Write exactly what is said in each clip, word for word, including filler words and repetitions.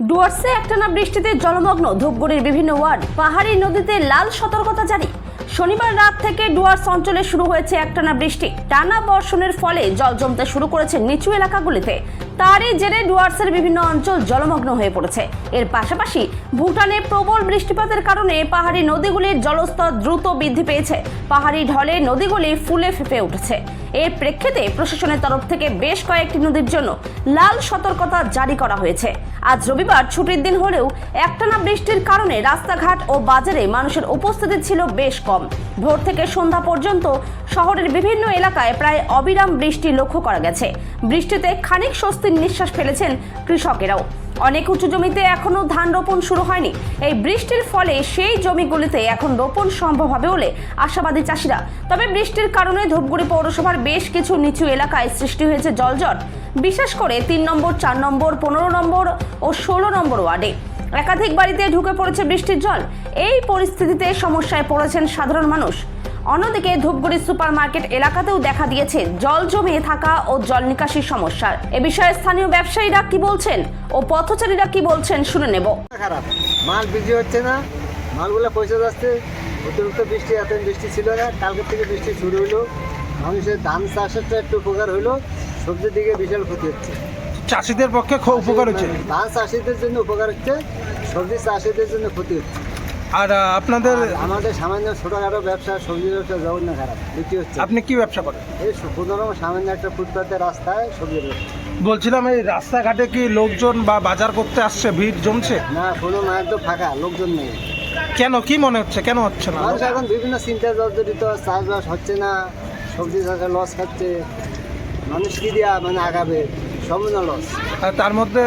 ডুয়ার্সে একটানা বৃষ্টিতে জলমগ্ন ধূপগুড়ির বিভিন্ন ওয়ার্ড। পাহাড়ি নদীতে লাল সতর্কতা জারি। শনিবার রাত থেকে ডুয়ার্স অঞ্চলে শুরু হয়েছে একটানা বৃষ্টি। টানা বর্ষণের ফলে জল জমতে শুরু করেছে নিচু এলাকাগুলিতে। তারই জেরে ডুয়ার্সের বিভিন্ন অঞ্চল জলমগ্ন হয়ে পড়েছে। এর পাশাপাশি ভুটানে প্রবল বৃষ্টিপাতের কারণে পাহাড়ি নদীগুলির জলস্তর দ্রুত বৃদ্ধি পেয়েছে। পাহাড়ি ঢলে নদীগুলি ফুলে ফেঁপে উঠেছে। এর প্রেক্ষিতে প্রশাসনের তরফ থেকে বেশ কয়েকটি নদীর জন্য লাল সতর্কতা জারি করা হয়েছে। আজ রবিবার ছুটির দিন হলেও একটানা বৃষ্টির কারণে রাস্তাঘাট ও বাজারে মানুষের উপস্থিতি ছিল বেশ কম। ভোর থেকে সন্ধ্যা পর্যন্ত শহরের বিভিন্ন এলাকায় প্রায় অবিরাম বৃষ্টি লক্ষ্য করা গেছে। বৃষ্টিতে খানিক স্বস্তির নিঃশ্বাস ফেলেছেন কৃষকেরাও। অনেক উঁচু জমিতে এখনো ধান রোপণ শুরু হয়নি। এই বৃষ্টির ফলে সেই জমিগুলিতে এখন রোপণ সম্ভব হবে বলে আশাবাদী চাষিরা। তবে বৃষ্টির কারণে ধূপগুড়ি পৌরসভার বেশ কিছু নিচু এলাকায় সৃষ্টি হয়েছে জলজট, বিশেষ করে তিন নম্বর, চার নম্বর, পনেরো নম্বর ও ষোলো নম্বর ওয়ার্ডে একাধিক বাড়িতে ঢুকে পড়েছে বৃষ্টির জল। এই পরিস্থিতিতে সমস্যায় পড়েছেন সাধারণ মানুষ। অন্যদিকে ধূপগুড়ি সুপার মার্কেট এলাকাতেও দেখা দিয়েছে জল জমে থাকা ও জল নিকাশির সমস্যা। এ বিষয়ে স্থানীয় ব্যবসায়ীরা কি বলছেন ও পথচারীরা কি বলছেন শুনে নেব। খারাপ, মাল বিক্রি হচ্ছে না, মালগুলো পয়সা যাচ্ছে। অতিরিক্ত বৃষ্টি, এত বৃষ্টি ছিল না, কালকে থেকে বৃষ্টি শুরু হলো। মানুষের ধান চাষেরটা একটু উপকার হলো, সবজির দিকে বিশাল ক্ষতি হচ্ছে। চাষিদের পক্ষে খুব উপকার হচ্ছে, ধান চাষিদের জন্য উপকার হচ্ছে, সবজি চাষিদের জন্য ক্ষতি হচ্ছে। আর আপনাদের আমাদের সামান্য ছোটোখাটো ব্যবসা, সবজি ব্যবসা জগৎ না খারাপ, বিক্রি হচ্ছে। আপনি কি ব্যবসা করেন? এই কোনো সামান্য একটা ফুটপাতের রাস্তায় সবজির ব্যবসা। বলছিলাম, এই রাস্তাঘাটে কি লোকজন বা বাজার করতে আসছে, ভিড় জমছে? না, কোনো না, একদম ফাঁকা, লোকজন নেই। কেন, কি মনে হচ্ছে, কেন হচ্ছে না? মানুষ এখন বিভিন্ন চিন্তায় জর্জরিত, চাষবাস হচ্ছে না, সবজি চাষে লস খাচ্ছে। মানুষ কি দিয়া মানে আগাবে, সম্পূর্ণ লস। আর তার মধ্যে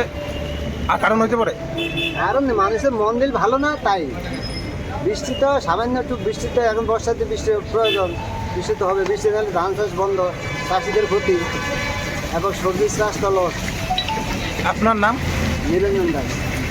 আর কারণ হইতে পারে, কারণ মানুষের মন দিল ভালো না, তাই বৃষ্টি তো সামান্য একটু বৃষ্টি তো এখন বর্ষাতে বৃষ্টির প্রয়োজন, বৃষ্টি তো হবে। বৃষ্টি নাহলে ধান চাষ বন্ধ, চাষিদের ক্ষতি এবং সবজি চাষ তো লস। আপনার নাম? নিরঞ্জন দাস।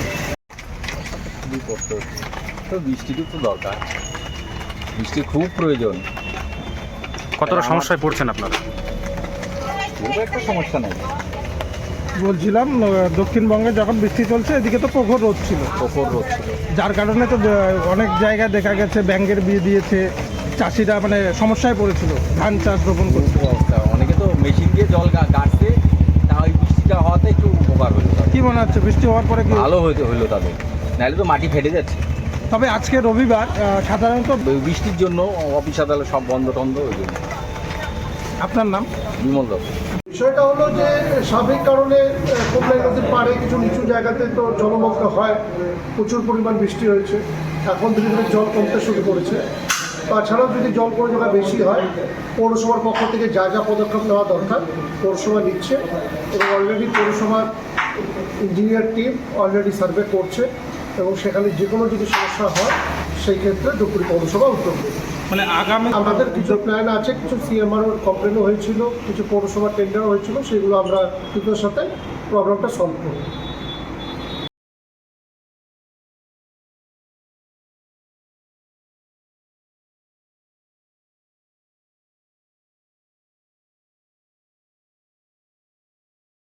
খুবই কষ্ট হচ্ছে, তো বৃষ্টিটি তো দরকার, বৃষ্টি খুব প্রয়োজন। কতটা সমস্যায় পড়ছেন আপনারা? খুব একটা সমস্যা নেই। বলছিলাম, দক্ষিণবঙ্গে যখন বৃষ্টি চলছে এদিকে তো প্রখর রোদ ছিল, প্রখর রোদ ছিল, যার কারণে তো অনেক জায়গায় দেখা গেছে ব্যাঙের বিয়ে দিয়েছে, চাষিরা মানে সমস্যায় পড়েছিল ধান চাষ রোপণ করতে। অবস্থা, অনেকে তো মেশিন দিয়ে জল গা- গাড়ছে, তা ওই বৃষ্টিটা হওয়াতে একটু উপকার হলো তাদের। কি মনে হচ্ছে বৃষ্টি হওয়ার পরে কি ভালো হইতে হলো তাদের, নাহলে তো মাটি ফেটে যাচ্ছে। তবে আজকে রবিবার, আহ, সাধারণত ওই বৃষ্টির জন্য অফিস আদালত সব বন্ধ টন্ধ, ওই জন্য। আপনার নাম? বিমল দত্ত। বিষয়টা হলো যে স্বাভাবিক কারণে কোমলাই নদীর পাড়ে কিছু নিচু জায়গাতে তো জলমগ্ন হয়, প্রচুর পরিমাণ বৃষ্টি হয়েছে। এখন ধীরে ধীরে জল কমতে শুরু করেছে। তাছাড়াও যদি জল পরিমাণ বেশি হয়, পৌরসভার পক্ষ থেকে যা যা পদক্ষেপ নেওয়া দরকার পৌরসভা নিচ্ছে, এবং অলরেডি পৌরসভার ইঞ্জিনিয়ার টিম অলরেডি সার্ভে করছে, এবং সেখানে যে কোনো যদি সমস্যা হয় সেই ক্ষেত্রে ধূপগুড়ি পৌরসভা উদ্যোগ নেবে। মানে আগামী আমাদের কিছু প্ল্যান আছে, কিছু সিএমআরও কমপ্লেনও হয়েছিল, কিছু পৌরসভা টেন্ডারও হয়েছিল, সেগুলো আমরা দ্রুততার সাথে প্রবলেমটা সলভ করব।